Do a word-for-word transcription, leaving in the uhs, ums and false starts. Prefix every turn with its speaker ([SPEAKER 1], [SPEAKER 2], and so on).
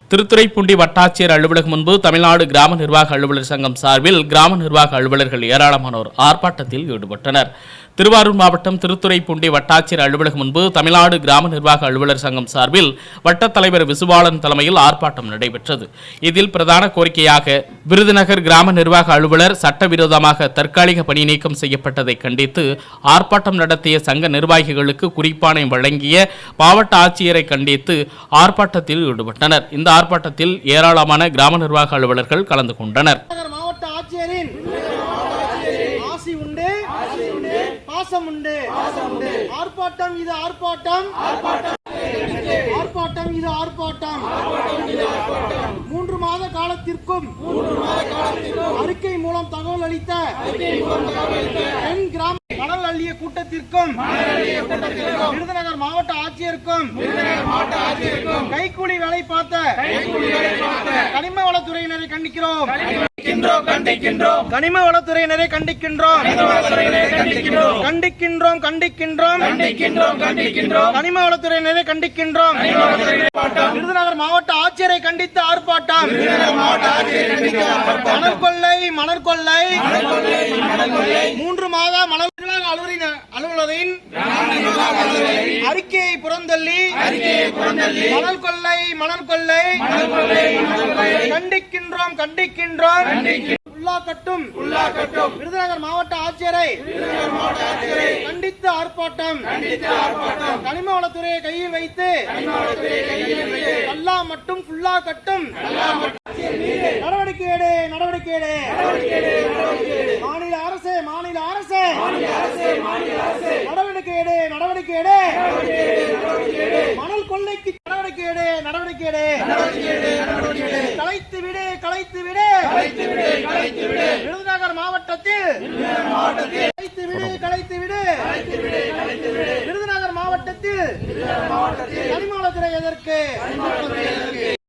[SPEAKER 1] திருத்துறைப்பூண்டி வட்டாட்சியர் அலுவலகம் முன்பு தமிழ்நாடு கிராம நிர்வாக அலுவலர் சங்கம் சார்பில் கிராம நிர்வாக அலுவலர்கள் ஏராளமானோர் ஆர்ப்பாட்டத்தில் ஈடுபட்டனர். திருவாரூர் மாவட்டம் திருத்துறைப்பூண்டி வட்டாட்சியர் அலுவலகம் முன்பு தமிழ்நாடு கிராம நிர்வாக அலுவலர் சங்கம் சார்பில் வட்டத் தலைவர் விசுவாளன் தலைமையில் ஆர்ப்பாட்டம் நடைபெற்றது. இதில் பிரதான கோரிக்கையாக விருதுநகர் கிராம நிர்வாக அலுவலர் சட்டவிரோதமாக தற்காலிக பணி நீக்கம் செய்யப்பட்டதை கண்டித்து ஆர்ப்பாட்டம் நடத்திய சங்க நிர்வாகிகளுக்கு குறிப்பாணை வழங்கிய மாவட்ட ஆட்சியரை கண்டித்து ஆர்ப்பாட்டத்தில் ஈடுபட்டனர். இந்த ஆர்ப்பாட்டத்தில் ஏராளமான கிராம நிர்வாக அலுவலர்கள் கலந்து கொண்டனர்.
[SPEAKER 2] மாவட்ட ஆட்சியரின் ஆசி உண்டு, பாசம் உண்டு. ஆர்ப்பாட்டம் இது ஆர்ப்பாட்டம், ஆர்ப்பாட்டம் இது ஆர்ப்பாட்டம். மூன்று மாத காலத்திற்கும் அறிக்கை மூலம் தகவல் அளித்த என் கிராம மணல் அள்ளிய கூட்டத்திற்கும் விருதுநகர் மாவட்ட ஆட்சியருக்கும் கைக்கூலி வேலை பார்த்த கனிம வளத்துறையினரை கண்டிக்கிறோம் கனிம வளத்துறையினரை கண்டிக்கின்றோம் கண்டிக்கின்றோம் கண்டிக்கின்றோம் கனிம வளத்துறையினரை கண்டிக்கின்றோம். விருதுநகர் மாவட்ட ஆட்சியரை கண்டித்து ஆர்ப்பாட்டம். மணல் கொள்ளை மணல் கொள்ளை மூன்று மாத மணல் அலுவலரின் அறிக்கையை புறந்தள்ளி மணல் கொள்ளை மணல் கொள்ளை கண்டிக்கின்றோம் கண்டிக்கின்றோம். உள்ளாக்கட்டும் விருதுநகர் மாவட்ட ஆட்சியரை கண்டித்து ஆர்ப்பாட்டம். கனிம வளத்துறையை கையில் வைத்து அல்லா மட்டும் ஃபுல்லா கட்டும். நடவடிக்கை எடு நடவடிக்கை எடு மாநில அரசு மாநில அரசு நடவடிக்கை எடு நடவடிக்கை எடு மணல் கொள்ளைக்கு நடவடிக்கை எடு நடவடிக்கை எடு கலைத்து விடு கலைத்து விடு விருதுநகர் மாவட்டத்தில் கலைத்து விடு கலைத்து விடு விருதுநகர் மாவட்டத்தில் கனிம வளத்துறை எதற்கு